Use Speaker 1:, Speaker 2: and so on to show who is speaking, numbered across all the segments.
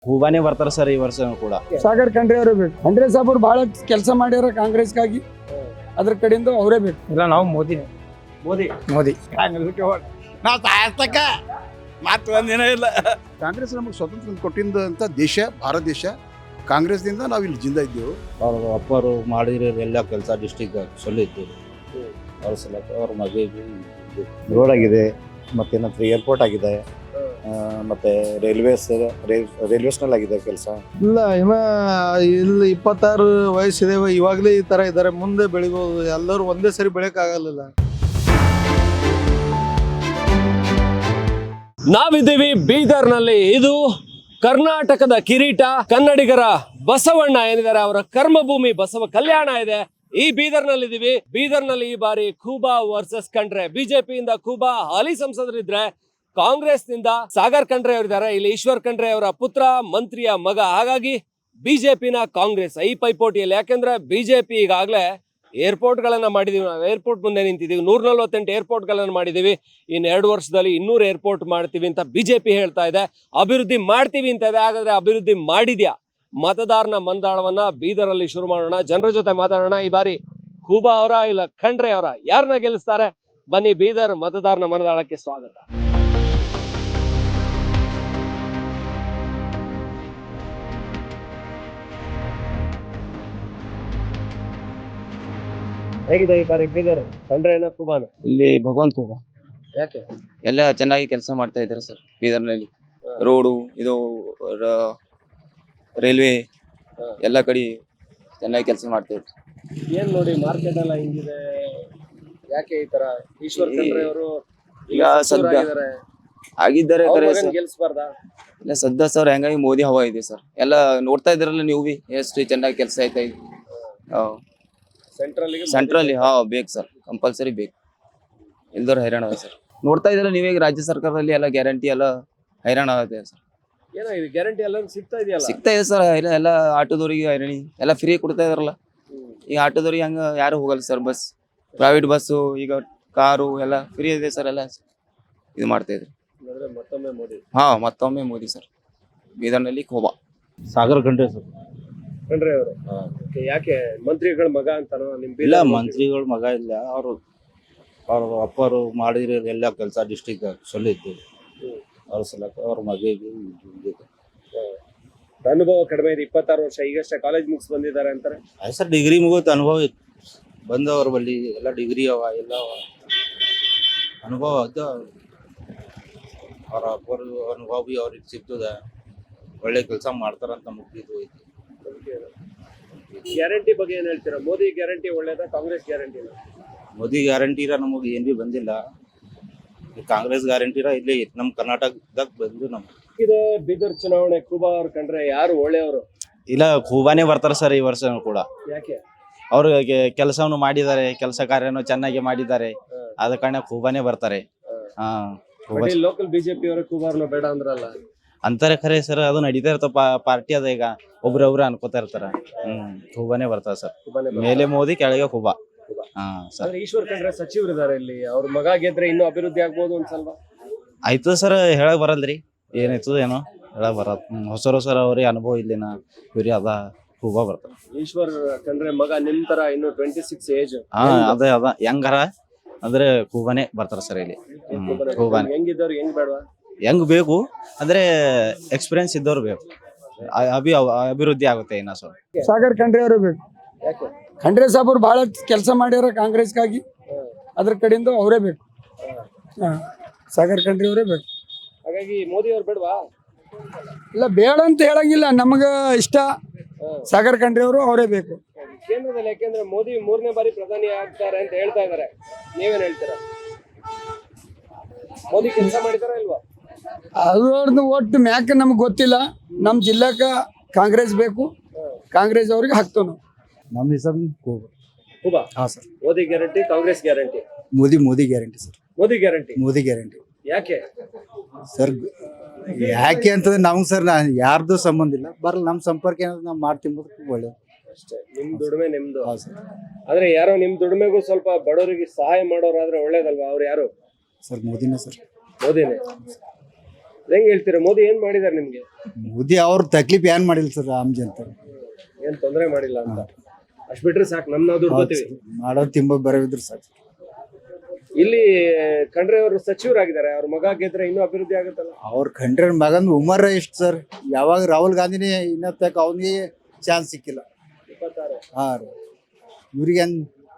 Speaker 1: ಹೂವಾನೇ ಬರ್ತಾರ ಸರ್ ಈ ವರ್ಷ ಕೂಡ.
Speaker 2: ಸಾಗರ್ ಖಂಡ್ರೆ ಅವರೇ ಬೇಕು. ಖಂಡ್ರೆ ಸಾಬ್ ಅವ್ರು ಬಹಳ ಕೆಲಸ ಮಾಡ್ಯಾರ ಕಾಂಗ್ರೆಸ್ಗಾಗಿ, ಅದ್ರ ಕಡೆಯಿಂದ ಅವರೇ ಬೇಕು.
Speaker 3: ಇಲ್ಲ ನಾವು ಮೋದಿ
Speaker 4: ನಾವು ಸಾಯಸ್ತಕ್ಕ ಮಾತು ಒಂದಿನ ಇಲ್ಲ.
Speaker 5: ಕಾಂಗ್ರೆಸ್ ನಮಗೆ ಸ್ವತಂತ್ರ ಕೊಟ್ಟಿದ್ದಂಥ ದೇಶ ಭಾರತ ದೇಶ. ಕಾಂಗ್ರೆಸ್ನಿಂದ ನಾವು ಇಲ್ಲಿ ಜಿಂದ ಇದ್ದೇವೆ.
Speaker 1: ಅವ್ರ ಅಪ್ಪರು ಮಾಡಿರೋ ಎಲ್ಲ ಕೆಲಸ ಡಿಸ್ಟಿಕ್ ಸೊಲ್ಲಿದ್ದು ಅವ್ರ ಸಲಕ ಅವ್ರ ಮಗಳಿಗೆ ರೋಡ್ ಆಗಿದೆ, ಮತ್ತೇನಂದ್ರೆ ಏರ್ಪೋರ್ಟ್ ಆಗಿದೆ, ಮತ್ತೆ ರೈಲ್ವೇಸ್ನಲ್ಲಿ ಆಗಿದೆ ಕೆಲಸ.
Speaker 3: ಇಲ್ಲ ಇನ್ನ ಇಲ್ಲಿ 26 ವಯಸ್ಸಿದೆ, ಇವಾಗಲೇ ಈ ತರ ಇದ್ದಾರೆ, ಮುಂದೆ ಬೆಳಿಬಹುದು. ಎಲ್ಲರೂ ಒಂದೇ ಸರಿ ಬೆಳೆಯಕ್ ಆಗಲ್ಲ.
Speaker 6: ನಾವಿದ್ದೀವಿ ಬೀದರ್ನಲ್ಲಿ. ಇದು ಕರ್ನಾಟಕದ ಕಿರೀಟ, ಕನ್ನಡಿಗರ ಬಸವಣ್ಣ ಏನಿದ್ದಾರೆ ಅವರ ಕರ್ಮಭೂಮಿ ಬಸವ ಕಲ್ಯಾಣ ಇದೆ. ಈ ಬೀದರ್ನಲ್ಲಿ ಇದೀವಿ. ಬೀದರ್ನಲ್ಲಿ ಈ ಬಾರಿ ಖೂಬಾ ವರ್ಸಸ್ ಖಂಡ್ರೆ. ಬಿಜೆಪಿಯಿಂದ ಖೂಬಾ ಹಾಲಿ ಸಂಸದರಿದ್ರೆ, ಕಾಂಗ್ರೆಸ್ ನಿಂದ ಸಾಗರ್ ಖಂಡ್ರೆ ಅವರಿದ್ದಾರೆ. ಇಲ್ಲಿ ಈಶ್ವರ್ ಖಂಡ್ರೆ ಅವರ ಪುತ್ರ, ಮಂತ್ರಿಯ ಮಗ. ಹಾಗಾಗಿ ಬಿಜೆಪಿನ ಕಾಂಗ್ರೆಸ್ ಈ ಪೈಪೋಟಿಯಲ್ಲಿ. ಯಾಕೆಂದ್ರೆ ಬಿಜೆಪಿ ಈಗಾಗಲೇ ಏರ್ಪೋರ್ಟ್ ಗಳನ್ನ ಮಾಡಿದೀವಿ. ನಾವು ಏರ್ಪೋರ್ಟ್ ಮುಂದೆ ನಿಂತಿದ್ದೀವಿ. 148 ಏರ್ಪೋರ್ಟ್ ಗಳನ್ನ ಮಾಡಿದೀವಿ. ಇನ್ನು 2 ವರ್ಷದಲ್ಲಿ 200 ಏರ್ಪೋರ್ಟ್ ಮಾಡ್ತೀವಿ ಅಂತ ಬಿಜೆಪಿ ಹೇಳ್ತಾ ಇದೆ. ಅಭಿವೃದ್ಧಿ ಮಾಡ್ತೀವಿ ಅಂತ ಇದೆ. ಹಾಗಾದ್ರೆ ಅಭಿವೃದ್ಧಿ ಮಾಡಿದ್ಯಾ? ಮತದಾರನ ಮಂದಾಳವನ್ನ ಬೀದರಲ್ಲಿ ಶುರು ಮಾಡೋಣ. ಜನರ ಜೊತೆ ಮಾತಾಡೋಣ. ಈ ಬಾರಿ ಖೂಬಾ ಅವರ ಇಲ್ಲ ಖಂಡ್ರೆ ಅವರ, ಯಾರನ್ನ ಗೆಲ್ಲಿಸ್ತಾರೆ? ಬನ್ನಿ, ಬೀದರ್ ಮತದಾರನ ಮನದಾಳಕ್ಕೆ ಸ್ವಾಗತ. ಹೇಗಿದೆ ಈ ಬಾರಿ ಬೀದರ್? ಖಂಡ್ರೆನ ಖೂಬಾನ?
Speaker 7: ಇಲ್ಲಿ ಭಗವಂತ ಖೂಬಾ.
Speaker 6: ಯಾಕೆ?
Speaker 7: ಎಲ್ಲ ಚೆನ್ನಾಗಿ ಕೆಲಸ ಮಾಡ್ತಾ ಇದ್ದಾರೆ ಸರ್ ಬೀದರ್ನಲ್ಲಿ. ರೋಡು, ಇದು ರೈಲ್ವೆ ಎಲ್ಲ ಕಡೆ ಚೆನ್ನಾಗಿ ಕೆಲಸ ಮಾಡ್ತಾ ಇದ್ದಾರೆ.
Speaker 6: ಏನ್ ನೋಡಿ ಮಾರ್ಕೆಟ್ ಎಲ್ಲ ಹಿಂಗಿದೆ, ಯಾಕೆ ಈ ತರ? ಈಶ್ವರ್ ಖಂಡ್ರೆ ಅವರು
Speaker 7: ಈಗ ಸದ್ಯ ಆಗಿದ್ದಾರೆ
Speaker 6: ಗೆಲ್ಸ್ಬಾರ್ದಾ?
Speaker 7: ಇಲ್ಲ ಸದ್ಯ ಸರ್ ಹೆಂಗಾಗಿ ಮೋದಿ ಹವಾ ಇದೆ ಸರ್. ಎಲ್ಲ ನೋಡ್ತಾ ಇದ್ರಲ್ಲ ನೀವು ಬಿ, ಎಷ್ಟು ಚೆನ್ನಾಗಿ ಕೆಲಸ ಆಯ್ತಾ ಇದೆ. ಸೆಂಟ್ರಲ್ಲಿ ಬೇಕು ಸರ್, ಕಂಪಲ್ಸರಿ ಬೇಕು. ಇಲ್ದವ್ರು ಹೈರಾಣ ಅದ ಸರ್. ನೋಡ್ತಾ ಇದ್ರಲ್ಲ ನೀವೇ ರಾಜ್ಯ ಸರ್ಕಾರದಲ್ಲಿ ಎಲ್ಲ ಗ್ಯಾರಂಟಿ ಎಲ್ಲ ಹೈರಾಣ ಆಗುತ್ತೆ ಸರ್.
Speaker 6: ಏನಾಗಿದೆ ಗ್ಯಾರಂಟಿ ಎಲ್ಲ ಸಿಗ್ತಾ ಇದೆಯಲ್ಲ?
Speaker 7: ಸಿಗ್ತಾ ಇದೆ ಸರ್. ಎಲ್ಲ ಆಟೋದವ್ರಿಗೆ ಹೈರಾಣಿ ಎಲ್ಲ ಫ್ರೀ ಕೊಡ್ತಾ ಇದಾರಲ್ಲ. ಈಗ ಆಟೋದವ್ರಿಗೆ ಹಂಗ ಯಾರು ಹೋಗಲ್ಲ ಸರ್. ಬಸ್, ಪ್ರೈವೇಟ್ ಬಸ್ಸು, ಈಗ ಕಾರು ಎಲ್ಲ ಫ್ರೀ ಇದೆ ಸರ್. ಎಲ್ಲ ಇದು ಮಾಡ್ತಾ ಇದ್ರು. ಮತ್ತೊಮ್ಮೆ ಮೋದಿ ಸರ್. ಬೀದರ್ನಲ್ಲಿ ಖೂಬಾ.
Speaker 1: ಸಾಗರ್ ಖಂಡ್ರೆ ಸರ್.
Speaker 6: ಖಂಡ್ರೆ ಅವರು ಯಾಕೆ? ಮಂತ್ರಿಗಳ ಮಗ ಅಂತಾನೋ?
Speaker 1: ಇಲ್ಲ, ಮಂತ್ರಿಗಳ ಮಗ ಇಲ್ಲ. ಅವ್ರ ಅಪ್ಪರು ಮಾಡಿರೋ ಎಲ್ಲ ಕೆಲಸ ಡಿಸ್ಟಿಕ್ ಸೊಲ್ಲಿದ್ದು ಅವ್ರ ಸಲಕ ಅವ್ರ ಮಗಳಿಗೆ
Speaker 6: ಅನುಭವ ಕಡಿಮೆ ಇದೆ. 26 ವರ್ಷ, ಈಗಷ್ಟೇ ಕಾಲೇಜ್ ಮುಗಿಸ್ ಬಂದಿದ್ದಾರೆ ಅಂತಾರೆ.
Speaker 1: ಸರ್ ಡಿಗ್ರಿ ಮುಗಿದ ಅನುಭವ ಇತ್ತು. ಬಂದವ್ರ ಬಲ್ಲಿ ಎಲ್ಲ ಡಿಗ್ರಿ ಅವ, ಎಲ್ಲ ಅನುಭವ ಇದ್ದ. ಅವ್ರ ಅಪ್ಪರು ಅನುಭವ ಬಿ ಅವ್ರಿಗೆ ಸಿಗ್ತದ. ಒಳ್ಳೆ ಕೆಲಸ ಮಾಡ್ತಾರಂತ ಮುಗಿದು ಐತಿ.
Speaker 6: ಗ್ಯಾರಂಟಿ ಬಗ್ಗೆ ಏನ್ ಹೇಳ್ತೀರಾ? ಮೋದಿ ಗ್ಯಾರಂಟಿ ಒಳ್ಳೇದಾ, ಕಾಂಗ್ರೆಸ್ ಗ್ಯಾರಂಟಿ?
Speaker 1: ಮೋದಿ ಗ್ಯಾರಂಟಿರ ನಮಗೆ ಏನ್ ಬಿ ಬಂದಿಲ್ಲ. ಕಾಂಗ್ರೆಸ್ ಗ್ಯಾರಂಟಿರ ಇಲ್ಲಿ ನಮ್ ಕರ್ನಾಟಕದಾಗ ಬಂದು
Speaker 6: ಇದು ಬೀದರ್ ಚುನಾವಣೆ. ಖೂಬಾ ಅವ್ರ ಕಂಡ್ರೆ ಯಾರು ಒಳ್ಳೆಯವರು?
Speaker 1: ಇಲ್ಲ, ಖೂಬಾನೇ ಬರ್ತಾರ ಸರ್ ಈ ವರ್ಷ ಕೂಡ.
Speaker 6: ಯಾಕೆ?
Speaker 1: ಅವ್ರು ಕೆಲಸವನ್ನು ಮಾಡಿದ್ದಾರೆ, ಕೆಲಸ ಕಾರ್ಯನು ಚೆನ್ನಾಗಿ ಮಾಡಿದ್ದಾರೆ. ಆದ ಕಾರಣ ಖೂಬಾನೇ ಬರ್ತಾರೆ.
Speaker 6: ಲೋಕಲ್ ಬಿಜೆಪಿ ಅವರು ಖೂಬಾರ್ನ ಬೇಡ ಅಂದ್ರಲ್ಲ
Speaker 1: ಅಂತಾರೆ. ಖರೆ ಸರ್, ಅದು ನಡೀತಾ ಇರ್ತಾವ. ಪಾರ್ಟಿ ಅದ. ಈಗ ಒಬ್ರೊಬ್ರು ಅನ್ಕೋತಾ ಇರ್ತಾರ. ಖೂಬಾನೇ ಬರ್ತಾರ ಸರ್. ಮೇಲೆ ಮೋದಿ, ಕೆಳಗೆ ಖೂಬಾ.
Speaker 6: ಸರ್, ಈಶ್ವರ್ ಖಂಡ್ರೆ ಸಚಿವರಿದ್ದಾರೆ ಇಲ್ಲಿ. ಅವ್ರ ಮಗ ಗೆದ್ರೆ ಇನ್ನೂ ಅಭಿವೃದ್ಧಿ ಆಗ್ಬೋದು ಅನ್ಸಲ್ವಾ?
Speaker 1: ಆಯ್ತು ಸರ್, ಹೇಳಕ್ ಬರಲ್ರಿ ಏನಾಯ್ತದ ಏನೋ ಹೇಳಕ್ ಬರತ್. ಹೊಸರು ಅವ್ರಿಗೆ ಅನುಭವ ಇಲ್ಲಿನ ಇವ್ರಿ ಅದ. ಖೂಬಾ ಬರ್ತಾರ.
Speaker 6: ಈಶ್ವರ್ ಖಂಡ್ರೆ ಮಗ ನಿಮ್ ತರ ಇನ್ನು 26 ಏಜ್.
Speaker 1: ಅದ ಹೆಂಗಾರ ಅಂದ್ರೆ ಖೂಬಾನೇ ಬರ್ತಾರ ಸರ್ ಇಲ್ಲಿ. ಖೂಬಾನೇ
Speaker 6: ಹೆಂಗಿದ್ದವ್ರು ಹೆಂಗ್ ಬೇಡವಾ?
Speaker 1: ಹೆಂಗ್ ಬೇಕು ಅಂದ್ರೆ ಎಕ್ಸ್ಪೀರಿಯನ್ಸ್ ಇದ್ದವ್ರು ಬೇಕು. ಅಭಿವೃದ್ಧಿ ಆಗುತ್ತೆ ಇನ್ನ ಸ್ವಲ್ಪ.
Speaker 2: ಸಾಗರ್ ಖಂಡ್ರೆ ಅವರೇ ಬೇಕು.
Speaker 6: ಯಾಕೆ?
Speaker 2: ಖಂಡ್ರೆ ಸಾಬ್ ಅವ್ರು ಬಹಳ ಕೆಲಸ ಮಾಡ್ಯಾರ ಕಾಂಗ್ರೆಸ್ಗಾಗಿ, ಅದ್ರ ಕಡೆಯಿಂದ ಅವರೇ ಬೇಕು. ಸಾಗರ್ ಖಂಡ್ರೆ ಅವರೇ ಬೇಕು.
Speaker 6: ಹಾಗಾಗಿ ಮೋದಿ ಅವ್ರು ಬೇಡವಾ?
Speaker 2: ಇಲ್ಲ, ಬೇಡ ಅಂತ ಹೇಳಂಗಿಲ್ಲ. ನಮಗ ಇಷ್ಟ ಸಾಗರ್ ಖಂಡ್ರೆ ಅವರು, ಅವರೇ ಬೇಕು
Speaker 6: ಕೇಂದ್ರದಲ್ಲಿ. ಯಾಕೆಂದ್ರೆ ಮೋದಿ 3ನೇ ಬಾರಿ ಪ್ರಧಾನಿ ಆಗ್ತಾರೆ ಅಂತ ಹೇಳ್ತಾ ಇದಾರೆ. ನೀವೇನ್ ಹೇಳ್ತೀರಾ? ಮೋದಿ ಕೆಲಸ ಮಾಡಿದಾರ ಇಲ್ವಾ?
Speaker 2: ಅದ್ರದ್ದು ಒಟ್ಟು ಮ್ಯಾಕ್ ನಮ್ಗೆ ಗೊತ್ತಿಲ್ಲ. ನಮ್ಮ ಜಿಲ್ಲಾಕ ಕಾಂಗ್ರೆಸ್ ಬೇಕು. ಕಾಂಗ್ರೆಸ್ ಅವ್ರಿಗೆ ಹಾಕ್ತೇವೆ ನಾವು.
Speaker 3: ನಮ್ಮ ಹೆಸರು
Speaker 6: Khuba.
Speaker 3: Sir.
Speaker 6: Modi guarantee, Congress guarantee?
Speaker 3: Modi guarantee sir.
Speaker 6: Modi guarantee. ಯಾಕೆ
Speaker 3: ಸರ್? ಯಾಕೆ ಅಂತಂದ್ರೆ ನಮ್ಗೆ ಸರ್ ಯಾರ್ದು ಸಂಬಂಧ ಇಲ್ಲ. ಬರಲ್ಲ, ನಮ್ಮ ಸಂಪರ್ಕ ಏನಾದ್ರು ನಾವು ಮಾಡ್ತಿಂಬುದು ಒಳ್ಳೇದು
Speaker 6: ಅಷ್ಟೇ. ನಿಮ್ ದುಡಿಮೆ ನಿಮ್ದು. ಆದ್ರೆ ಯಾರೋ ನಿಮ್ ದುಡಿಮೆಗೂ ಸ್ವಲ್ಪ ಬಡವರಿಗೆ ಸಹಾಯ ಮಾಡೋರಾದ್ರೆ ಒಳ್ಳೇದಲ್ವಾ? ಅವ್ರು ಯಾರು
Speaker 3: ಸರ್? ಮೋದಿನೇ ಸರ್.
Speaker 6: ಮೋದಿನೇ. ಹೆಂಗ್ ಹೇಳ್ತೀರಾ ಮೋದಿ ಏನ್ ಮಾಡಿದಾರೆ ನಿಮ್ಗೆ?
Speaker 8: ಮೋದಿ ಅವ್ರ ತಕ್ಲೀಫ್ ಏನ್ ಮಾಡಿಲ್ಲ ಸರ್ ಆಮ್ ಜನತೆ
Speaker 6: ಏನ್ ತೊಂದರೆ ಮಾಡಿಲ್ಲ ಅಂತ ಅಷ್ಟ್ ಬಿಟ್ರೆ ಸಾಕು, ನಾವು ದುಡ್ಡು ಬರ್ತೀವಿ.
Speaker 8: ಮಾಡೋದು ತಿಂಬ ಬರೋವಿದ್ರು ಸರ್.
Speaker 6: ಇಲ್ಲಿ ಖಂಡ್ರೆ ಅವರು ಸಚಿವರಾಗಿದ್ದಾರೆ, ಅವ್ರ ಮಗ ಗೆದ್ರೆ ಇನ್ನೂ ಅಭಿವೃದ್ಧಿ ಆಗುತ್ತಲ್ಲ.
Speaker 8: ಅವ್ರ ಕಂಡ್ರೆ ಮಗನ್ ಉಮರ್ ಎಷ್ಟು ಸರ್, ಯಾವಾಗ ರಾಹುಲ್ ಗಾಂಧಿನೇ ಇನ್ನತ್ತಕ ಅವನಿಗೆ ಚಾನ್ಸ್ ಸಿಕ್ಕಿಲ್ಲ.
Speaker 6: 26
Speaker 8: ಹಾ ರೀ ಇವ್ರಿಗೇನ್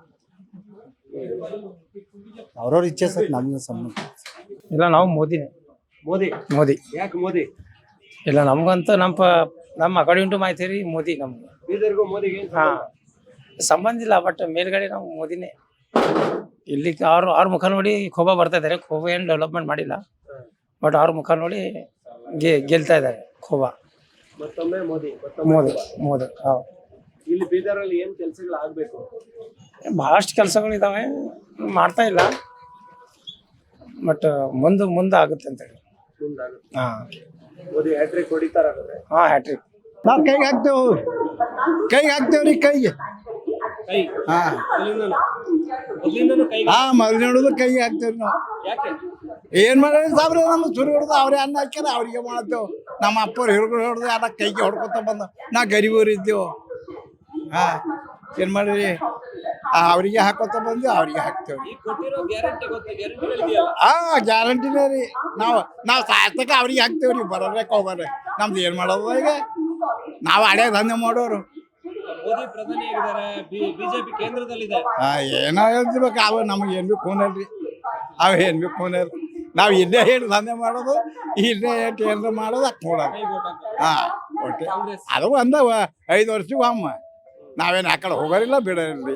Speaker 8: ಅವ್ರವ್ರ ಇಚ್ಛೆ ಸರ್, ನಮ್ಗೆ ಸಂಬಂಧ
Speaker 9: ಇಲ್ಲ. ನಾವು ಮೋದಿನೇ.
Speaker 6: ಮೋದಿ
Speaker 9: ಮೋದಿ
Speaker 6: ಯಾಕೆ ಮೋದಿ?
Speaker 9: ಇಲ್ಲ ನಮ್ಗಂತೂ ನಮ್ಮ ಅಕಾರ್ಡಿಂಗ್ ಟು ಮಾಹಿತಿ ರೀ ಮೋದಿ ನಮ್ಗೆ.
Speaker 6: ಬೀದರ್ಗೂ ಮೋದಿಗೆ ಏನ್
Speaker 9: ಹಾ
Speaker 6: ಸಂಬಂಧ?
Speaker 9: ಸಂಬಂಧ ಇಲ್ಲ, ಬಟ್ ಮೇಲ್ಗಡೆ ನಾವು ಮೋದಿನೇ. ಇಲ್ಲಿ ಅವ್ರ ಮುಖ ನೋಡಿ ಖೋಬಾ ಬರ್ತಾ ಇದ್ದಾರೆ. ಖೋಬಾ ಏನು ಡೆವಲಪ್ಮೆಂಟ್ ಮಾಡಿಲ್ಲ, ಬಟ್ ಅವ್ರ ಮುಖ ನೋಡಿ ಗೆಲ್ತಾ ಇದ್ದಾರೆ ಖೋಬಾ.
Speaker 6: ಮತ್ತೊಮ್ಮೆ ಮೋದಿ
Speaker 9: ಮೋದಿ ಮೋದಿ ಹೌದು.
Speaker 6: ಇಲ್ಲಿ ಬೀದರಲ್ಲಿ ಏನ್ ಕೆಲಸಗಳು ಆಗ್ಬೇಕು?
Speaker 9: ಬಹಳಷ್ಟು ಕೆಲಸಗಳು ಇದಾವೆ, ಮಾಡ್ತಾ ಇಲ್ಲ, ಬಟ್ ಮುಂದೆ ಆಗುತ್ತೆ ಅಂತೇಳಿ.
Speaker 6: ಮುಂದಾಗುತ್ತೆ.
Speaker 9: ಹಾ
Speaker 6: ಮೋದಿ ಹ್ಯಾಟ್ರಿಕ್ ಹೊಡಿತಾರ ಹಾಗಾದ್ರೆ?
Speaker 9: ಹಾ ಹ್ಯಾಟ್ರಿಕ್.
Speaker 3: ನಾವು ಕೈಗೆ ಹಾಕ್ತೇವ್ರಿ ಕೈಗೆ.
Speaker 6: ಕೈ
Speaker 3: ಹಾ
Speaker 6: ಮೊದ್ಲಿಂದನೂ ಕೈ.
Speaker 3: ಹಾ ಮೊದಲು ನೋಡುದು ಕೈಗೆ ಹಾಕ್ತೇವ್ರಿ ನಾವು.
Speaker 6: ಯಾಕೆ?
Speaker 3: ಏನ್ ಮಾಡೋದು ಸಾಬ್ರೆ, ನಮ್ಮ ಸುರಿ ಹೊಡೆದು ಅವ್ರೇ ಅನ್ನ ಹಾಕ್ಯಾರ ಅವ್ರಿಗೆ ಮಾಡ್ತೇವ್. ನಮ್ಮ ಅಪ್ಪರು ಹಿಡ್ಕೊಂಡು ಹೊಡೆದು ಎಲ್ಲ ಕೈಗೆ ಹೊಡ್ಕೊತ ಬಂದ. ನಾ ಗರೀಬರು ಇದ್ದೇವು. ಹಾ ಏನ್ ಮಾಡ್ರಿ, ಅವ್ರಿಗೆ ಹಾಕೋತ ಬಂದು ಅವ್ರಿಗೆ ಹಾಕ್ತೇವ್ರಿ.
Speaker 6: ಈಗ ಕೊಟ್ಟಿರೋ ಗ್ಯಾರಂಟಿ ಗ್ಯಾರಂಟಿಗಳಿದೆಯಲ್ಲ,
Speaker 3: ಹಾ ಗ್ಯಾರಂಟಿನೇ ರೀ. ನಾವು ಸಾಯ್ತಕ ಅವ್ರಿಗೆ ಹಾಕ್ತೇವ್ರಿ, ಬರೋರ್ಯಾಕ ಹೋಗ್ಬಾರ್ರಿ. ನಮ್ದು ಏನ್ ಮಾಡೋದು ಈಗ, ನಾವು ಹಳೆ ದಂಧೆ ಮಾಡೋರು.
Speaker 6: ಮೋದಿ ಪ್ರಧಾನಿ ಆಗಿದ್ದಾರೆ, ಬಿಜೆಪಿ ಕೇಂದ್ರದಲ್ಲಿದೆ.
Speaker 3: ಏನೋ ಹೇಳ್ತಿರ್ಬೇಕು, ಅವ ನಮಗೆ ಏನ್ ಬೇಕು ಖೂನಲ್ರಿ. ಅವು ಏನ್ ಬೇಕು ಖೂನಲ್. ನಾವು ಇಲ್ಲೇ ಹೇಳಿ ದಂಧೆ ಮಾಡೋದು, ಇಲ್ಲೇ ಏನ್ರ ಮಾಡೋದು ಅಕ್ ನೋಡೋದು. ಹಾ ಒಟ್ಟೆ ಅದು ಒಂದವ 5 ವರ್ಷಕ್ಕೆ ಅಮ್ಮ. ನಾವೇನು ಆ ಕಡೆ ಹೋಗೋರಿಲ್ಲ ಬಿಡೋರಿಲ್ರಿ.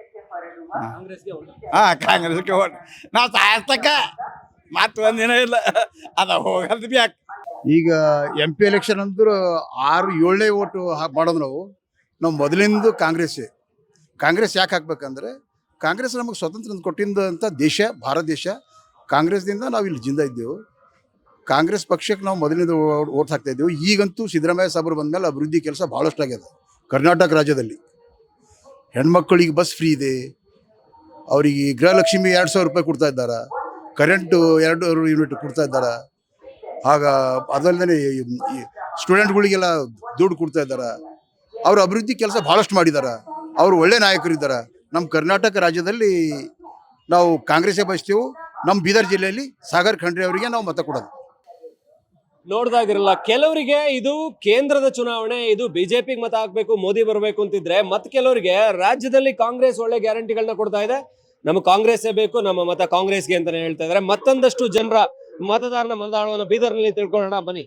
Speaker 3: ಹಾ ಕಾಂಗ್ರೆಸ್ಗೆ ಓಟ್. ನಾವು ಸಾಯಸ್ತಕ್ಕ ಮತ್ತೆ ಒಂದಿನ ಇಲ್ಲ, ಅದ ಹೋಗಲ್ದು ಬ್ಯಾಕ್. ಈಗ MP ಎಲೆಕ್ಷನ್ ಅಂದ್ರು 6-7 ಓಟು ಮಾಡೋದು. ನಾವು ಮೊದಲಿಂದ ಕಾಂಗ್ರೆಸ್ ಯಾಕೆ ಹಾಕ್ಬೇಕಂದ್ರೆ, ಕಾಂಗ್ರೆಸ್ ನಮಗೆ ಸ್ವತಂತ್ರ ಕೊಟ್ಟಿದ್ದಂಥ ದೇಶ ಭಾರತ ದೇಶ. ಕಾಂಗ್ರೆಸ್ದಿಂದ ನಾವು ಇಲ್ಲಿ ಜಿಂದ ಇದ್ದೆವು. ಕಾಂಗ್ರೆಸ್ ಪಕ್ಷಕ್ಕೆ ನಾವು ಮೊದಲಿಂದ ಓಟ್ ಹಾಕ್ತಾ ಇದ್ದೆವು. ಈಗಂತೂ ಸಿದ್ದರಾಮಯ್ಯ ಸಾಬ್ರು ಬಂದಮೇಲೆ ಅಭಿವೃದ್ಧಿ ಕೆಲಸ ಭಾಳಷ್ಟು ಆಗ್ಯದ ಕರ್ನಾಟಕ ರಾಜ್ಯದಲ್ಲಿ. ಹೆಣ್ಮಕ್ಳಿಗೆ ಬಸ್ ಫ್ರೀ ಇದೆ, ಅವರಿಗೆ ಗೃಹಲಕ್ಷ್ಮಿ 2,000 ರೂಪಾಯಿ ಕೊಡ್ತಾ ಇದ್ದಾರೆ, ಕರೆಂಟು 2 ಯೂನಿಟ್ ಕೊಡ್ತಾ ಇದ್ದಾರೆ. ಆಗ ಅದಲ್ಲದೆ ಸ್ಟೂಡೆಂಟ್ಗಳಿಗೆಲ್ಲ ದುಡ್ಡು ಕೊಡ್ತಾ ಇದ್ದಾರೆ. ಅವರು ಅಭಿವೃದ್ಧಿ ಕೆಲಸ ಭಾಳಷ್ಟು ಮಾಡಿದ್ದಾರೆ. ಅವರು ಒಳ್ಳೆ ನಾಯಕರಿದ್ದಾರೆ. ನಮ್ಮ ಕರ್ನಾಟಕ ರಾಜ್ಯದಲ್ಲಿ ನಾವು ಕಾಂಗ್ರೆಸ್ಸೇ ಬಯಸ್ತೇವೆ. ನಮ್ಮ ಬೀದರ್ ಜಿಲ್ಲೆಯಲ್ಲಿ ಸಾಗರ್ ಖಂಡ್ರೆ ಅವರಿಗೆ ನಾವು ಮತ ಕೊಡೋದು.
Speaker 6: ನೋಡ್ದಾಗಿರಲ್ಲ, ಕೆಲವರಿಗೆ ಇದು ಕೇಂದ್ರದ ಚುನಾವಣೆ, ಇದು ಬಿಜೆಪಿಗೆ ಮತ ಹಾಕ್ಬೇಕು, ಮೋದಿ ಬರಬೇಕು ಅಂತಿದ್ರೆ, ಮತ್ ಕೆಲವರಿಗೆ ರಾಜ್ಯದಲ್ಲಿ ಕಾಂಗ್ರೆಸ್ ಒಳ್ಳೆ ಗ್ಯಾರಂಟಿಗಳನ್ನ ಕೊಡ್ತಾ ಇದೆ, ನಮಗೆ ಕಾಂಗ್ರೆಸ್ಸೇ ಬೇಕು, ನಮ್ಮ ಮತ ಕಾಂಗ್ರೆಸ್ಗೆ ಅಂತಾನೆ ಹೇಳ್ತಾ ಇದಾರೆ. ಮತ್ತೊಂದಷ್ಟು ಜನರ ಮತದಾರನ ಮತದಾನವನ್ನು ಬೀದರ್ನಲ್ಲಿ ತಿಳ್ಕೊಳ್ಳೋಣ ಬನ್ನಿ.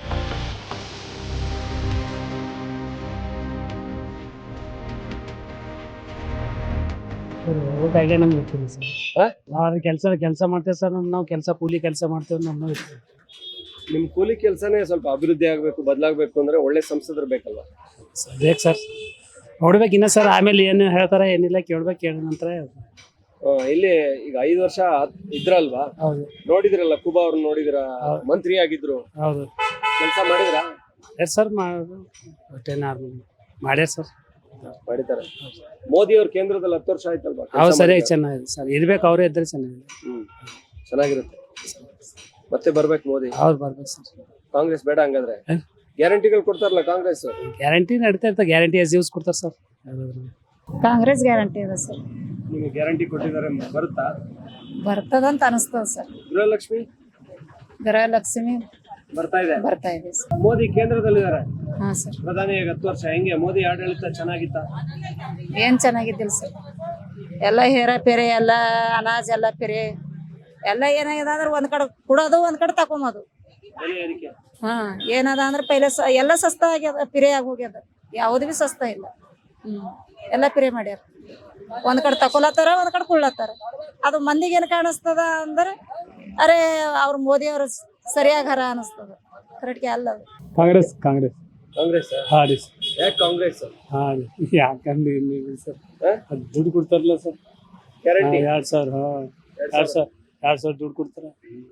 Speaker 10: ಊಟಾಗೆ ನಮ್ಗೆ ಗೊತ್ತಿಲ್ಲ ಸರ್. ನಾವು ಕೆಲಸ ಮಾಡ್ತೇವೆ ಸರ್. ನಾವು ಕೂಲಿ ಕೆಲಸ ಮಾಡ್ತೇವೆ. ನಮ್ಮ
Speaker 6: ನಿಮ್ ಕೂಲಿ ಕೆಲಸನೇ ಸ್ವಲ್ಪ ಅಭಿವೃದ್ಧಿ ಆಗ್ಬೇಕು, ಬದಲಾಗಬೇಕು ಅಂದ್ರೆ ಒಳ್ಳೆ ಸಂಸದರು ಬೇಕಲ್ವಾ?
Speaker 10: ಬೇಕು ಸರ್. ನೋಡ್ಬೇಕು ಇನ್ನ ಸರ್, ಆಮೇಲೆ ಏನು ಹೇಳ್ತಾರ ಏನಿಲ್ಲ ಕೇಳ್ಬೇಕು, ಕೇಳಿದ ನಂತರ.
Speaker 6: ಇಲ್ಲಿ ಈಗ 5 ವರ್ಷ ಇದ್ರಲ್ವಾ?
Speaker 10: ಹೌದು.
Speaker 6: ನೋಡಿದ್ರಲ್ಲ, ಕುಬಾ ಅವ್ರು ನೋಡಿದ್ರ, ಮಂತ್ರಿ ಆಗಿದ್ರು.
Speaker 10: ಹೌದು.
Speaker 6: ಕೆಲಸ ಮಾಡಿದ್ರ?
Speaker 10: ಎಸ್ ಸರ್, ಮಾಡ್ಯಾರ ಸರ್.
Speaker 6: ಮಾಡಿದ್ದಾರೆ. ಮೋದಿ ಅವ್ರ ಕೇಂದ್ರದಲ್ಲಿ 10 ವರ್ಷ ಆಯ್ತಲ್ವಾ?
Speaker 10: ಹೌದು ಸರಿ, ಚೆನ್ನಾಗಿದೆ ಸರ್. ಇರ್ಬೇಕು, ಅವರೇ ಇದ್ರೆ ಚೆನ್ನಾಗಿದೆ.
Speaker 6: ಚೆನ್ನಾಗಿರುತ್ತೆ. ಮತ್ತೆ ಬರ್ಬೇಕು ಮೋದಿ.
Speaker 10: ಹೌದು, ಬರ್ಬೇಕು ಸರ್.
Speaker 6: ಕಾಂಗ್ರೆಸ್ ಬೇಡ ಹಂಗಾದ್ರೆ? ಗ್ಯಾರಂಟಿಗಳು ಕೊಡ್ತಾರಲ್ಲ ಕಾಂಗ್ರೆಸ್.
Speaker 10: ಗ್ಯಾರಂಟಿ ನಡೀತಾ ಇರ್ತಾರೆ. ಗ್ಯಾರಂಟಿ ಎಸ್ ಯೂಸ್ ಕೊಡ್ತಾರೆ ಸರ್.
Speaker 11: ಕಾಂಗ್ರೆಸ್ ಗ್ಯಾರಂಟಿ ಇದೆ ಸರ್.
Speaker 6: ನಿಮಗೆ ಗ್ಯಾರಂಟಿ ಕೊಟ್ಟಿದ್ದಾರೆ, ಬರುತ್ತಾ?
Speaker 11: ಬರ್ತದಂತ ಅನಿಸ್ತದ ಸರ್. ಗೃಹಲಕ್ಷ್ಮಿ
Speaker 6: ಬರ್ತಾ ಇದೆ
Speaker 11: ಸರ್.
Speaker 6: ಮೋದಿ ಕೇಂದ್ರದಲ್ಲಿದ್ದಾರೆ.
Speaker 11: ಹಾ ಸರ್.
Speaker 6: ಪ್ರಧಾನಿಯಾಗಿ 10 ವರ್ಷ. ಹೆಂಗೆ ಮೋದಿ ಆಡಳಿತ ಚೆನ್ನಾಗಿತ್ತ?
Speaker 11: ಏನ್ ಚೆನ್ನಾಗಿದ್ದಿಲ್ಲ ಸರ್. ಎಲ್ಲ ಹೇರ ಪೆರೆ, ಎಲ್ಲ ಅನಾಜ್ ಎಲ್ಲ ಪೆರೆ ಎಲ್ಲ ಏನಾಗಿದೆ ಅಂದ್ರೆ ಒಂದ್ ಕಡೆ ಕೊಡೋದು, ಒಂದ್ ಕಡೆ ತಕೊಂಬೋದು. ಹಾ ಏನದ ಅಂದ್ರೆ ಪೈಲೆ ಎಲ್ಲ ಸಸ್ತ ಆಗ್ಯದ, ಪಿರೆ ಆಗಿ ಹೋಗ್ಯದ. ಯಾವ್ದು ಬಿ ಸಸ್ತ ಇಲ್ಲ. ಎಲ್ಲ ಪಿರೆ ಮಾಡ್ಯಾರ. ಒಂದ್ ಕಡೆ ತಕೊಲತ್ತಾರ, ಒಂದ್ ಕಡೆ ಕುಳ್ಳತ್ತಾರ. ಅದು ಮಂದಿಗೆ ಏನ್ ಕಾಣಿಸ್ತದ ಅಂದ್ರೆ, ಅರೆ ಅವ್ರ ಮೋದಿ ಅವ್ರ ಸರಿಯಾಗಾರ ಅನಿಸ್ತದ. ಕರೆಕ್ಟ್ಗೆ ಅಲ್ಲ.
Speaker 10: ಕಾಂಗ್ರೆಸ್
Speaker 6: ಹಾ ರೀ. ಯಾಕೆ ಕಾಂಗ್ರೆಸ್?
Speaker 10: ಯಾಕಂದ್ರೆ ಸರ್, ದುಡ್ಡು ಕೊಡ್ತಾರಲ್ಲ ಸರ್.
Speaker 6: ಗ್ಯಾರಂಟಿ
Speaker 10: 2,000 ದುಡ್ಡು ಕೊಡ್ತಾರ.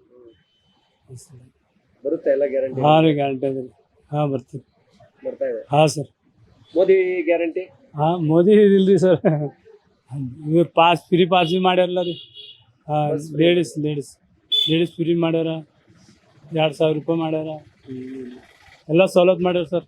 Speaker 6: ಬರುತ್ತೆ ಎಲ್ಲ ಗ್ಯಾರಂಟಿ?
Speaker 10: ಹಾ ರೀ, ಗ್ಯಾರಂಟಿ ಅದ ರೀ. ಹಾ ಬರ್ತೀವಿ.
Speaker 6: ಬರ್ತಾ ಇದೆ.
Speaker 10: ಹಾ ಸರ್.
Speaker 6: ಮೋದಿ ಗ್ಯಾರಂಟಿ?
Speaker 10: ಹಾ ಮೋದಿ ಇದಿಲ್ರಿ ಸರ್. ಇವ್ರು ಫ್ರೀ ಪಾಸ್ ಬಿ ಮಾಡ್ಯಾರಲ್ಲ ರೀ. ಲೇಡೀಸ್ ಫ್ರೀ ಮಾಡ್ಯಾರ. 2,000 ರೂಪಾಯಿ ಮಾಡ್ಯಾರ. ಎಲ್ಲ ಸವಲತ್ತು ಮಾಡ್ಯಾರ ಸರ್.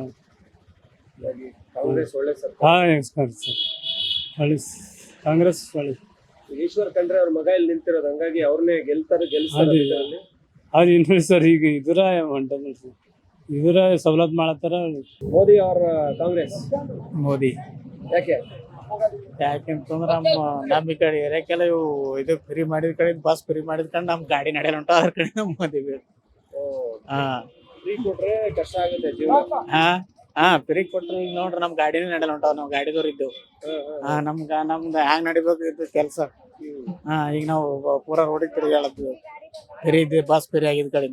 Speaker 6: ಕಾಂಗ್ರೆಸ್ ಒಳ್ಳೆ ಸರ್ಕಾರ.
Speaker 10: ಹಾಂ ಸರ್ ಒಳ್ಳೆ ಕಾಂಗ್ರೆಸ್ ಒಳ್ಳೆ.
Speaker 6: ಈಶ್ವರ್ ಖಂಡ್ರೆ ಅವ್ರ ಮಗ ಇಲ್ಲಿ ನಿಂತಿರೋದು, ಹಂಗಾಗಿ ಅವ್ರನ್ನೇ ಗೆಲ್ಸ್ತಾರೆ.
Speaker 10: ಅದು ಏನು ಸರ್, ಈಗ ಇದರ ಹೊಂಟದ ಸರ್, ಇದರ ಸವಲತ್ತು ಮಾಡತ್ತಾರ.
Speaker 6: ಮೋದಿ ಅವ್ರ ಕಾಂಗ್ರೆಸ್.
Speaker 10: ಮೋದಿ
Speaker 6: ಯಾಕೆ?
Speaker 10: ಯಾಕೆಂತಂದ್ರೆ ನಮ್ಮ ಈ ಕಡೆ ಏರಿಯಾಕ್ಕೆಲ್ಲ ಇವು ಇದು ಫ್ರೀ ಮಾಡಿದ ಕಡೆ, ಬಸ್ ಫ್ರೀ ಮಾಡಿದ ಕಡೆ ನಮ್ಮ ಗಾಡಿ ನಡೆಯಲ್ಲ ಹೊಂಟ, ಅದ್ರ ಕಡೆ ನಮ್ಮ ಮೋದಿ ಬೇಕು.
Speaker 6: ಫ್ರೀ ಕೊಟ್ರೆ ಕಷ್ಟ ಆಗುತ್ತೆ ಜೀವನ.
Speaker 10: ಫ್ರೀ ಕೊಟ್ರೆ ಈಗ ನೋಡ್ರಿ ನಮ್ಮ ಗಾಡಿನೇ ನಡೆಯಲ್ಲ ಹೊಂಟಾವ. ನಾವು ಗಾಡಿದವ್ರು ಇದ್ದೆವು. ನಮ್ದು ಹ್ಯಾಂಗ್ ನಡಿಬೇಕು ಇದು ಕೆಲಸ. ಈಗ ನಾವು ಪೂರಾ ರೋಡಿಗೆ ತಿರುಗಾಡತ್ತೀವಿ. ಫ್ರೀ ಇದೆ, ಬಸ್ ಫ್ರೀ ಆಗಿದ ಕಡೆ.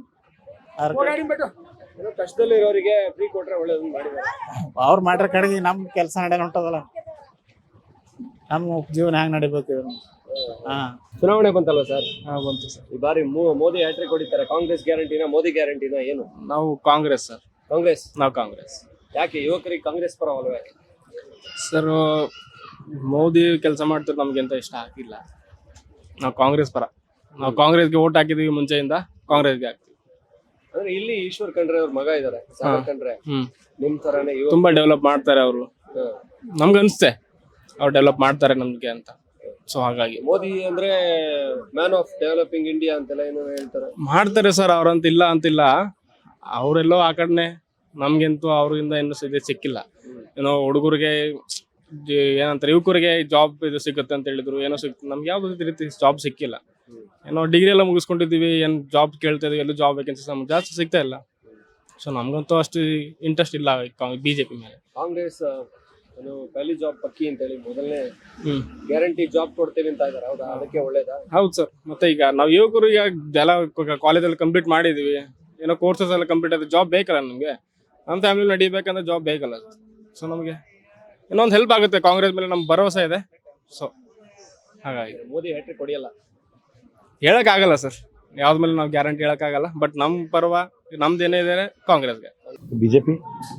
Speaker 6: ಕಷ್ಟದಲ್ಲಿ ಇರೋರಿಗೆ ಫ್ರೀ ಕೊಟ್ರೆ ಒಳ್ಳೇದು ಮಾಡಿದ್ದಾರೆ.
Speaker 10: ಅವ್ರು ಮಾಡ್ರ ಕಡೆಗೆ ನಮ್ ಕೆಲಸ ನಡೆಯಲ್ಲ ಹೊಂಟದಲ್ಲ. ನಮ್ಮ ಜೀವನ ಹ್ಯಾಂಗ್ ನಡಿಬೇಕು.
Speaker 6: ಚುನಾವಣೆ ಬಂತಲ್ವ ಸರ್?
Speaker 10: ಬಂತು ಸರ್.
Speaker 6: ಈ ಬಾರಿ ಮೋದಿ ಹ್ಯಾಟ್ರಿಕ್ ಹೊಡಿತಾರೆ. ಕಾಂಗ್ರೆಸ್ ಗ್ಯಾರಂಟಿನ, ಮೋದಿ ಗ್ಯಾರಂಟಿನ, ಏನು?
Speaker 10: ನಾವು ಕಾಂಗ್ರೆಸ್ ಸರ್.
Speaker 6: ಕಾಂಗ್ರೆಸ್.
Speaker 10: ನಾವು ಕಾಂಗ್ರೆಸ್.
Speaker 6: ಯಾಕೆ ಯುವಕರಿಗೆ ಕಾಂಗ್ರೆಸ್ ಪರವಲ್ವೇ?
Speaker 10: ಸರ್ ಮೋದಿ ಕೆಲಸ ಮಾಡ್ತಾರೆ, ನಮ್ಗೆಂತ ಇಷ್ಟ ಆಗಿಲ್ಲ. ನಾವು ಕಾಂಗ್ರೆಸ್ ಪರ. ನಾವು ಕಾಂಗ್ರೆಸ್ಗೆ ಓಟ್ ಹಾಕಿದೀವಿ ಮುಂಚೆಯಿಂದ, ಕಾಂಗ್ರೆಸ್ಗೆ ಹಾಕ್ತೀವಿ.
Speaker 6: ಅಂದ್ರೆ ಇಲ್ಲಿ ಈಶ್ವರ್ ಖಂಡ್ರೆ ಅವ್ರ ಮಗ ಇದಾರೆ, ಸಾಗರ್ ಖಂಡ್ರೆ. ನಿಮ್ ತರಾನೇ
Speaker 10: ತುಂಬಾ ಡೆವಲಪ್ ಮಾಡ್ತಾರೆ ಅವರು. ನಮ್ಗೆ ಅನ್ಸುತ್ತೆ ಅವ್ರು ಡೆವಲಪ್ ಮಾಡ್ತಾರೆ ನಮ್ಗೆ ಅಂತ. ಸೊ ಹಾಗಾಗಿ
Speaker 6: ಮೋದಿ ಅಂದ್ರೆ ಮ್ಯಾನ್ ಆಫ್ ಡೆವಲಪಿಂಗ್ ಇಂಡಿಯಾ ಅಂತೆಲ್ಲ ಏನೋ ಹೇಳ್ತಾರೆ.
Speaker 10: ಮಾಡ್ತಾರೆ ಸರ್, ಅವ್ರಂತ ಇಲ್ಲ ಅಂತಿಲ್ಲ. ಅವರೆಲ್ಲೋ ಆ ಕಡೆನೆ. ನಮ್ಗಂತೂ ಅವ್ರಿಂದ ಏನು ಇದು ಸಿಕ್ಕಿಲ್ಲ. ಏನೋ ಹುಡುಗರಿಗೆ ಏನಂತಾರೆ, ಯುವಕರಿಗೆ ಜಾಬ್ ಇದು ಸಿಗುತ್ತೆ ಅಂತ ಹೇಳಿದ್ರು, ಏನೋ ಸಿಕ್ತು. ನಮ್ಗೆ ಯಾವ್ದು ರೀತಿ ಜಾಬ್ ಸಿಕ್ಕಿಲ್ಲ. ಏನೋ ಡಿಗ್ರಿ ಎಲ್ಲ ಮುಗಿಸ್ಕೊಂಡಿದ್ದೀವಿ, ಏನು ಜಾಬ್ ಕೇಳ್ತಾ ಇದೀವಿ, ಎಲ್ಲೂ ಜಾಬ್ ವೇಕೆನ್ಸೀಸ್ ನಮ್ಗೆ ಜಾಸ್ತಿ ಸಿಗ್ತಾ ಇಲ್ಲ. ಸೊ ನಮ್ಗಂತೂ ಅಷ್ಟು ಇಂಟ್ರೆಸ್ಟ್ ಇಲ್ಲ ಬಿಜೆಪಿ ಮೇಲೆ.
Speaker 6: ಕಾಂಗ್ರೆಸ್ ಪಹಲಿ ಜಾಬ್ ಪಕ್ಕಿ ಅಂತ ಹೇಳಿ ಮೊದಲನೇ ಗ್ಯಾರಂಟಿ ಜಾಬ್ ಕೊಡ್ತೇವೆ ಅಂತ ಇದಾರೆ. ಹೌದಾ? ಅದಕ್ಕೆ ಒಳ್ಳೇದಾ?
Speaker 10: ಹೌದು ಸರ್. ಮತ್ತೆ ಈಗ ನಾವು ಯುವಕರು ಈಗ ಎಲ್ಲ ಕಾಲೇಜಲ್ಲಿ ಕಂಪ್ಲೀಟ್ ಮಾಡಿದೀವಿ, ಏನೋ ಕೋರ್ಸಸ್ ಎಲ್ಲ ಕಂಪ್ಲೀಟ್ ಆದ್ರೆ ಜಾಬ್ ಬೇಕಲ್ಲ ನಮಗೆ. ನಮ್ಮ ಫ್ಯಾಮಿಲಿ ನಡಿಬೇಕಂದ್ರೆ ಜಾಬ್ ಬೇಕಲ್ಲ. ಸೊ ನಮಗೆ ಇನ್ನೊಂದು ಹೆಲ್ಪ್ ಆಗುತ್ತೆ. ಕಾಂಗ್ರೆಸ್ ಮೇಲೆ ನಮ್ಗೆ ಭರವಸೆ ಇದೆ. ಸೊ ಹಾಗಾಗಿ
Speaker 6: ಮೋದಿ ಹ್ಯಾಟ್ರಿಕ್ ಹೊಡಿಯಲ್ಲ
Speaker 10: ಹೇಳಕ್ಕಾಗಲ್ಲ ಸರ್, ಯಾವ್ದ ಮೇಲೆ ನಾವು ಗ್ಯಾರಂಟಿ ಹೇಳಕ್ಕಾಗಲ್ಲ. ಬಟ್ ನಮ್ಮ ಪರವ ನಮ್ದು ಏನೇ ಇದೆ ಕಾಂಗ್ರೆಸ್ಗೆ.
Speaker 1: ಬಿಜೆಪಿ.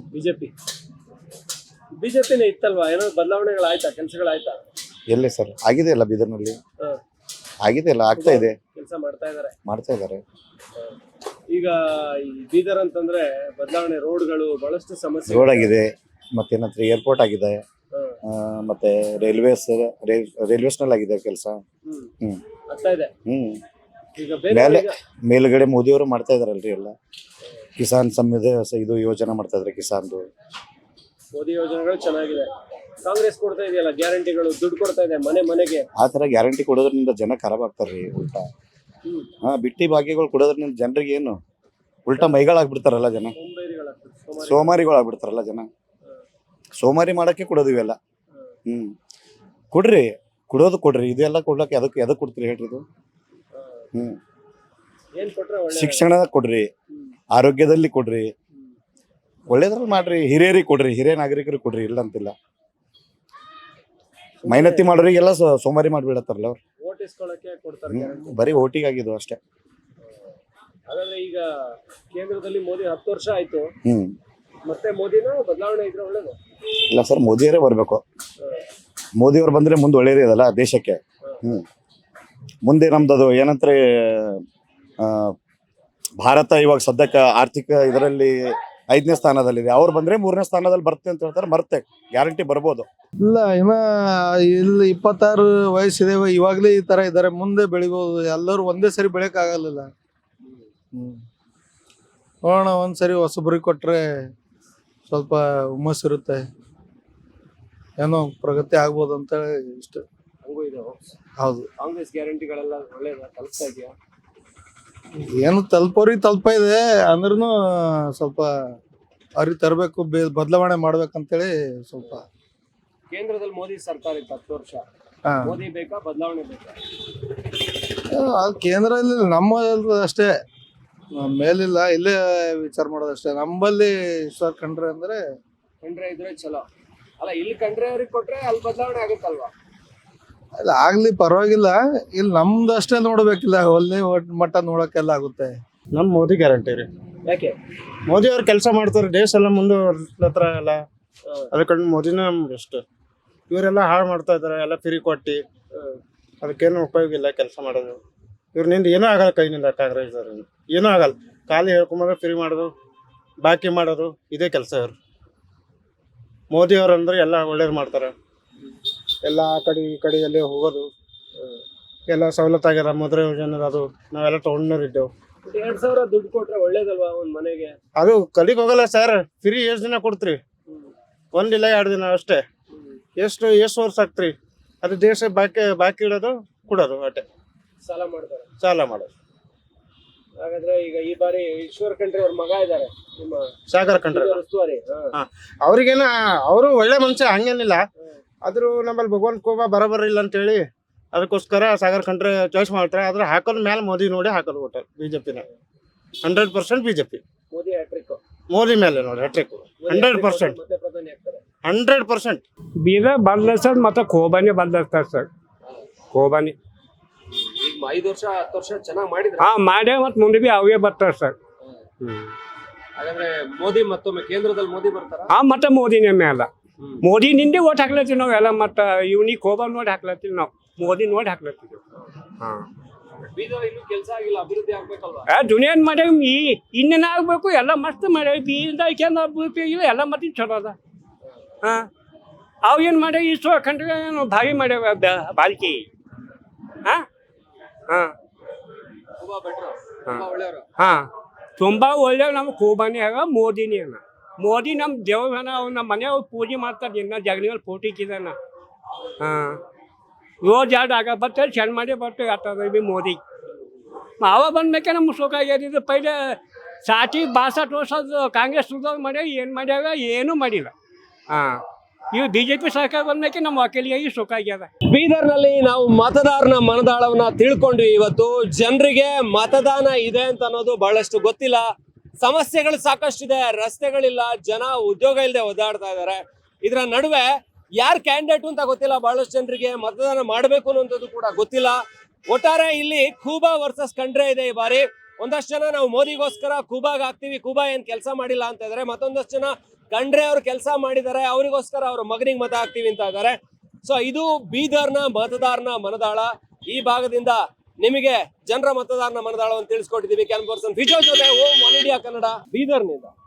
Speaker 6: ಬಿಜೆಪಿನೇ ಇತ್ತಲ್ವಾ? ಏನೋ ಬದಲಾವಣೆಗಳಾಯ್ತಾ, ಕೆಲಸಗಳಾಯ್ತಾ?
Speaker 8: ಎಲ್ಲೇ ಸರ್ ಆಗಿದೆ ಅಲ್ಲ ಬೀದರ್ನಲ್ಲಿ, ಆಗಿದೆ ಅಲ್ಲ, ಆಗ್ತಾ ಇದೆ,
Speaker 6: ಕೆಲಸ ಮಾಡ್ತಾ
Speaker 8: ಇದ್ದಾರೆ.
Speaker 6: ಈಗ ಈ ಬೀದರ್ ಅಂತಂದ್ರೆ ಬದಲಾವಣೆ, ರೋಡ್ಗಳು ಬಹಳಷ್ಟು ಸಮಸ್ಯೆ.
Speaker 8: ರೋಡ್ ಆಗಿದೆ, ಮತ್ತೇನಂದ್ರೆ ಏರ್ಪೋರ್ಟ್ ಆಗಿದೆ, ಮತ್ತೆ ರೈಲ್ವೇಸ್ನಲ್ಲಿ ಆಗಿದೆ ಕೆಲಸ.
Speaker 6: ಆಗ್ತಾ ಇದೆ. ಈಗ
Speaker 8: ಮೇಲ್ಗಡೆ ಮೋದಿಯವರು ಮಾಡ್ತಾ ಇದಾರಲ್ರಿ ಎಲ್ಲ. ಕಿಸಾನ್ ಇದು ಯೋಜನೆ ಮಾಡ್ತಾ ಇದ್ರೆ, ಕಿಸಾನ್ದು
Speaker 6: ಮೋದಿ ಯೋಜನೆಗಳು ಚೆನ್ನಾಗಿದೆ. ಕಾಂಗ್ರೆಸ್ ಕೊಡ್ತಾ ಇದೆಯಲ್ಲ ಗ್ಯಾರಂಟಿಗಳು, ದುಡ್ಡು ಕೊಡ್ತಾ ಇದೆ ಮನೆ ಮನೆಗೆ.
Speaker 8: ಆ ತರ ಗ್ಯಾರಂಟಿ ಕೊಡೋದ್ರಿಂದ ಜನ ಖರಾಬ್ ಆಗ್ತಾರ್ರಿ ಉಲ್ಟಾ. ಬಿಟ್ಟಿ ಭಾಗ್ಯಗಳು ಕೊಡೋದ್ರಿಂದ ಜನರಿಗೆ ಏನು ಉಲ್ಟಾ ಮೈಗಳಾಗ್ಬಿಡ್ತಾರಲ್ಲ ಜನ, ಸೋಮಾರಿಗಳಾಗ್ಬಿಡ್ತಾರಲ್ಲ ಜನ. ಸೋಮಾರಿ ಮಾಡಕ್ಕೆ ಕೊಡೋದು ಇವೆಲ್ಲ. ಕೊಡ್ರಿ ಇದೆಲ್ಲ ಕೊಡ್ಲಕ್ಕೆ ಎದಕ್ಕೆ ಕೊಡ್ತೀರಿ ಹೇಳ್ರಿ ಇದು? ಶಿಕ್ಷಣ ಕೊಡ್ರಿ, ಆರೋಗ್ಯದಲ್ಲಿ ಕೊಡ್ರಿ, ಒಳ್ಳೇದ್ರಲ್ಲಿ ಮಾಡ್ರಿ, ಹಿರಿಯರಿಗೆ ಕೊಡ್ರಿ, ಹಿರಿಯ ನಾಗರಿಕರಿಗೆ ಕೊಡ್ರಿ, ಇಲ್ಲ ಅಂತಿಲ್ಲ. ಮೈನತ್ತಿ ಮಾಡೋರಿಗೆಲ್ಲ ಸೋಮಾರಿ ಮಾಡ್ಬಿಡತ್ತಾರಲ್ಲ ಅವ್ರು. ಬರೀ ಓಟಿಗೆ ಆಗಿದ್ದು ಅಷ್ಟೇ.
Speaker 6: ಹಾಗಾದ್ರೆ ಈಗ ಕೇಂದ್ರದಲ್ಲಿ ಮೋದಿ 10 ವರ್ಷ ಆಯ್ತು, ಮತ್ತೆ ಮೋದಿನ ಬದಲಾವಣೆ ಇದ್ರೆ ಒಳ್ಳೇದು.
Speaker 8: ಇಲ್ಲ ಸರ್, ಮೋದಿಯವರೇ ಬರ್ಬೇಕು. ಮೋದಿಯವ್ರು ಬಂದ್ರೆ ಮುಂದೆ ಒಳ್ಳೇದೇ ಇದಲ್ಲ ದೇಶಕ್ಕೆ. ಮುಂದೆ ನಮ್ದು ಏನಂದ್ರೆ ಭಾರತ ಇವಾಗ ಸದ್ಯಕ್ಕೆ ಆರ್ಥಿಕ ಇದರಲ್ಲಿ 5ನೇ ಸ್ಥಾನದಲ್ಲಿದೆ. ಅವ್ರು ಬಂದ್ರೆ 3ನೇ ಸ್ಥಾನದಲ್ಲಿ ಬರುತ್ತೆ ಅಂತ ಹೇಳ್ತಾರೆ. ಬರುತ್ತೆ, ಗ್ಯಾರಂಟಿ ಬರ್ಬೋದು.
Speaker 2: ಇಲ್ಲ ಇನ್ನ ಇಲ್ಲಿ 26 ವಯಸ್ಸಿದೆ, ಇವಾಗ್ಲೇ ಈ ತರ ಇದಾರೆ, ಮುಂದೆ ಬೆಳಿಬಹುದು. ಎಲ್ಲರೂ ಒಂದೇ ಸರಿ ಬೆಳೆಯಕ್ ಆಗಲ್ಲ. ನೋಡೋಣ, ಒಂದ್ಸರಿ ಹೊಸಬ್ರಿಗೆ ಕೊಟ್ರೆ ಸ್ವಲ್ಪ ಹುಮ್ಮಸ್ ಇರುತ್ತೆ, ಏನೋ ಪ್ರಗತಿ ಆಗ್ಬೋದು ಅಂತ ಇಷ್ಟ. ಹೌದು.
Speaker 6: ಕಾಂಗ್ರೆಸ್ ಗ್ಯಾರಂಟಿಗಳೆಲ್ಲ ಒಳ್ಳೇದ ತಲುಪ್ತಾ ಇದೆಯಾ?
Speaker 2: ಏನು ತಲುಪೋರಿಗೆ ತಲುಪ ಇದೆ ಅಂದ್ರೂ ಸ್ವಲ್ಪ ಅವ್ರಿಗೆ ತರಬೇಕು, ಬದಲಾವಣೆ ಮಾಡ್ಬೇಕಂತೇಳಿ ಸ್ವಲ್ಪ.
Speaker 6: ಕೇಂದ್ರದಲ್ಲಿ ಮೋದಿ ಸರ್ಕಾರ ಇತ್ತು 10 ವರ್ಷ. ಮೋದಿ ಬೇಕಾ, ಬದಲಾವಣೆ ಬೇಕಾ?
Speaker 2: ಅದು ಕೇಂದ್ರದಲ್ಲಿ ನಮ್ಮ ಅಷ್ಟೇ, ಮೇಲಿಲ್ಲ, ಇಲ್ಲೇ ವಿಚಾರ ಮಾಡೋದಷ್ಟೇ. ನಮ್ಮಲ್ಲಿ ಈಶ್ವರ್ ಖಂಡ್ರೆ ಅಂದ್ರೆ
Speaker 6: ಖಂಡ್ರೆ ಇದ್ರೆ ಚಲೋ ಅಲ್ಲ. ಇಲ್ಲಿ ಖಂಡ್ರೆ ಅವ್ರಿಗೆ ಕೊಟ್ರೆ ಅಲ್ಲಿ ಬದಲಾವಣೆ ಆಗುತ್ತಲ್ವಾ?
Speaker 2: ಅಲ್ಲ ಆಗ್ಲಿ, ಪರವಾಗಿಲ್ಲ. ಇಲ್ಲಿ ನಮ್ದು ಅಷ್ಟೇ ನೋಡ್ಬೇಕಿಲ್ಲ, ಒಳ್ಳೆ ಮಟ್ಟ ನೋಡಕ್ಕೆಲ್ಲ ಆಗುತ್ತೆ.
Speaker 10: ನಮ್ ಮೋದಿ ಗ್ಯಾರಂಟಿ ರೀ.
Speaker 6: ಯಾಕೆ?
Speaker 10: ಮೋದಿ ಅವ್ರು ಕೆಲಸ ಮಾಡ್ತಾರೆ, ದೇಶ ಎಲ್ಲ ಮುಂದುವರ್ಲತ್ರ ಎಲ್ಲ. ಅದಕ್ಕೆ ಮೋದಿನ ನಮ್ಗೆ ಬೆಸ್ಟ್. ಇವರೆಲ್ಲ ಹಾಳು ಮಾಡ್ತಾ ಇದಾರೆ, ಎಲ್ಲ ಫ್ರೀ ಕೊಟ್ಟಿ. ಅದಕ್ಕೇನು ಉಪಯೋಗ ಇಲ್ಲ ಕೆಲಸ ಮಾಡೋದು. ಇವ್ರನಿಂದ ಏನೂ ಆಗಲ್ಲ ಕೈನಿಂದ ಕಾಂಗ್ರೆಸ್ ಏನೂ ಆಗಲ್ಲ. ಖಾಲಿ ಹೇಳ್ಕೊಂಬಂದ್ರೆ ಫ್ರೀ ಮಾಡೋದು, ಬಾಕಿ ಮಾಡೋದು, ಇದೇ ಕೆಲಸ ಇವ್ರು. ಮೋದಿ ಅವ್ರು ಅಂದ್ರೆ ಎಲ್ಲ ಒಳ್ಳೇದು ಮಾಡ್ತಾರೆ. ಎಲ್ಲ ಆ ಕಡೆ ಈ ಕಡೆ ಎಲ್ಲಿ ಹೋಗೋದು ಎಲ್ಲ ಸವಲತ್ತಾಗ್ಯದ. ಮುದ್ರಾ ಯೋಜನೆ ಅದು ನಾವೆಲ್ಲ ತೊಗೊಂಡಿದ್ದೆವು.
Speaker 6: 2,000 ದುಡ್ಡು ಕೊಟ್ರೆ ಒಳ್ಳೇದಲ್ವಾ ಒಂದ್ ಮನೆಗೆ?
Speaker 10: ಅದು ಕಲಿಗೆ ಹೋಗಲ್ಲ ಸರ್. ಫ್ರೀ ಎಷ್ಟು ದಿನ ಕೊಡ್ತೀರಿ? 1 ಇಲ್ಲ 2 ದಿನ ಅಷ್ಟೇ. ಎಷ್ಟು ವರ್ಷ ಆಗ್ತೀರಿ? ಅದು ದೇಶ ಬಾಕಿ ಇಡೋದು ಕೊಡೋದು ಅಷ್ಟೇ.
Speaker 6: ಸಾಲ ಮಾಡ್ತಾರೆ.
Speaker 10: ಸಾಲ ಮಾಡೋದು.
Speaker 6: ಹಾಗಾದ್ರೆ ಈಗ ಈ ಬಾರಿ ಈಶ್ವರ್ ಖಂಡ್ರೆ ಅವ್ರ ಮಗ ಇದ್ದಾರೆ ನಿಮ್ಮ
Speaker 10: ಸಾಗರ ಕಂಡ್ರೆ
Speaker 6: ಉಸ್ತುವಾರಿ.
Speaker 10: ಅವ್ರಿಗೇನ ಅವರು ಒಳ್ಳೆ ಮನುಷ್ಯ, ಹಂಗೇನಿಲ್ಲ. ಆದ್ರೂ ನಮ್ಮಲ್ಲಿ ಭಗವಂತ ಕೋಬಾ ಬರೋಬರ ಇಲ್ಲ ಅಂತೇಳಿ ಅದಕ್ಕೋಸ್ಕರ ಸಾಗರ್ ಕಂಡ್ರೆ ಚಾಯ್ಸ್ ಮಾಡ್ತಾರೆ. ಆದ್ರೆ ಹಾಕೋದ್ ಮೇಲೆ ಮೋದಿ ನೋಡಿ ಹಾಕೋದು ಒಟ್ಟು ಬಿಜೆಪಿನ 100% ಬಿಜೆಪಿ.
Speaker 6: ಮೋದಿ ಹ್ಯಾಟ್ರಿಕ್.
Speaker 10: ಮೋದಿ ಮೇಲೆ ನೋಡಿ ಹ್ಯಾಟ್ರಿಕ್ 100%.
Speaker 6: ಮತ್ತೆ ಪ್ರಧಾನಿ ಆಗ್ತಾರೆ
Speaker 10: 100%.
Speaker 2: ಬೀದರ್ ಬಂದ ಸರ್ ಮತ್ತೆ ಖೋಬಾನಿ ಬಂದಿರ್ತಾರೆ ಸರ್. ಖೋಬಾನಿ
Speaker 6: ಈಗ 5 ವರ್ಷ 10 ವರ್ಷ ಚೆನ್ನಾಗಿ ಮಾಡಿದ್ರೆ
Speaker 2: ಮಾಡ್ಯ ಮತ್ತೆ ಮುಂದೆ ಬಿ ಅವೇ ಬರ್ತಾರೆ ಸರ್.
Speaker 6: ಹಾಗಾದ್ರೆ ಮೋದಿ ಮತ್ತೊಮ್ಮೆ ಕೇಂದ್ರದಲ್ಲಿ ಮೋದಿ ಬರ್ತಾರ?
Speaker 2: ಮತ್ತೆ ಮೋದಿನೇ ಮೇಲೆ. ಮೋದಿ ನಿಂದೆ ಓಟ್ ಹಾಕ್ಲತ್ತೀವಿ ನಾವೆಲ್ಲ. ಮತ್ತೆ ಇವ್ನಿಗೆ ಖೋಬಾ ನೋಡಿ ಹಾಕ್ಲತ್ತೀವಿ ನಾವು, ಮೋದಿ ನೋಡಿ ಹಾಕ್ಲತ್ತೀವಿ.
Speaker 6: ಬೀದರ್ ಇನ್ನೂ ಕೆಲಸ ಆಗಿಲ್ಲ, ಅಭಿವೃದ್ಧಿ ಆಗ್ಬೇಕಲ್ವಾ?
Speaker 2: ದುನಿಯಾನ್ ಮಾಡ್ಯಾವ ಇನ್ನೇನು ಆಗ್ಬೇಕು, ಎಲ್ಲ ಮಸ್ತ್ ಮಾಡ್ಯಾವ. ಬೀದರ್ ಅಭಿವೃದ್ಧಿ ಇಲ್ಲ, ಎಲ್ಲ ಮತ್ತೆ ಚಲೋ ಅದ. ಅವು ಏನು ಮಾಡ್ಯಾವ ಈಶ್ವರ ಖಂಡ್ರೆ ಏನು ಭಾರಿ ಮಾಡ್ಯಾವ ಬಾಲ್ಕಿ. ತುಂಬಾ ಒಳ್ಳೆಯವ. ನಮ್ಮ ಖೋಬಾನಿ ಆಗ ಮೋದಿನಿ ಅನ್ನ. ಮೋದಿ ನಮ್ಮ ದೇವನ ನಮ್ಮ ಮನೆಯವ್ರು ಪೂಜೆ ಮಾಡ್ತಾರೆ. ಇನ್ನ ಜಗಲಿನಲ್ಲಿ ಪೋಟಿಕ್ಕಿದಾನ. ರೋಜ್ ಎರಡು ಆಗ ಬರ್ತೇವೆ, ಚೆಂದ ಮಾಡಿ ಬರ್ತೇವೆ. ಆಗ್ತದೆ ಬಿ ಮೋದಿ ಅವ ಬಂದ್ಮೇಕೆ ನಮ್ಗೆ ಸುಖ ಆಗ್ಯದಿದ್ದು. ಪೈಲೆ 60-62 ವರ್ಷದ ಕಾಂಗ್ರೆಸ್ ಮಾಡ್ಯಾವ, ಏನು ಮಾಡ್ಯಾವ? ಏನೂ ಮಾಡಿಲ್ಲ. ಇವು ಬಿಜೆಪಿ ಸರ್ಕಾರ ಬಂದ್ಮೇಕೆ ನಮ್ಮ ವಕೀಲಿಗೆ ಸುಖ ಆಗ್ಯದ.
Speaker 6: ಬೀದರ್ನಲ್ಲಿ ನಾವು ಮತದಾರನ ಮನದಾಳವನ್ನ ತಿಳ್ಕೊಂಡ್ವಿ. ಇವತ್ತು ಜನರಿಗೆ ಮತದಾನ ಇದೆ ಅಂತ ಅನ್ನೋದು ಬಹಳಷ್ಟು ಗೊತ್ತಿಲ್ಲ. ಸಮಸ್ಯೆಗಳು ಸಾಕಷ್ಟಿದೆ, ರಸ್ತೆಗಳಿಲ್ಲ, ಜನ ಉದ್ಯೋಗ ಇಲ್ಲದೆ ಒದ್ದಾಡ್ತಾ ಇದ್ದಾರೆ. ಇದರ ನಡುವೆ ಯಾರು ಕ್ಯಾಂಡಿಡೇಟ್ ಅಂತ ಗೊತ್ತಿಲ್ಲ. ಬಹಳಷ್ಟು ಜನರಿಗೆ ಮತದಾನ ಮಾಡಬೇಕು ಅನ್ನೋದು ಕೂಡ ಗೊತ್ತಿಲ್ಲ. ಒಟ್ಟಾರೆ ಇಲ್ಲಿ ಖೂಬಾ ವರ್ಸಸ್ ಖಂಡ್ರೆ ಇದೆ ಈ ಬಾರಿ. ಒಂದಷ್ಟು ಜನ ನಾವು ಮೋದಿಗೋಸ್ಕರ ಖೂಬಾಗ್ ಹಾಕ್ತಿವಿ, ಖೂಬಾ ಏನ್ ಕೆಲಸ ಮಾಡಿಲ್ಲ ಅಂತ ಇದಾರೆ. ಮತ್ತೊಂದಷ್ಟು ಜನ ಖಂಡ್ರೆ ಅವ್ರು ಕೆಲಸ ಮಾಡಿದ್ದಾರೆ, ಅವರಿಗೋಸ್ಕರ ಅವ್ರ ಮಗನಿಗೆ ಮತ ಹಾಕ್ತಿವಿ ಅಂತ ಇದ್ದಾರೆ. ಸೊ ಇದು ಬೀದರ್ನ ಮತದಾರನ ಮನದಾಳ. ಈ ಭಾಗದಿಂದ ನಿಮಗೆ ಜನರ ಮತದಾರನ ಮನದಾಳವನ್ನು ತಿಳಿಸ್ಕೊಟ್ಟಿದ್ದೀವಿ. ಕ್ಯಾನ್ ಪರ್ಸನ್ ವಿಜಯ್ ಜೊತೆ ಓಂ ಒನ್ ಇಂಡಿಯಾ ಕನ್ನಡ, ಬೀದರ್ನಿಂದ.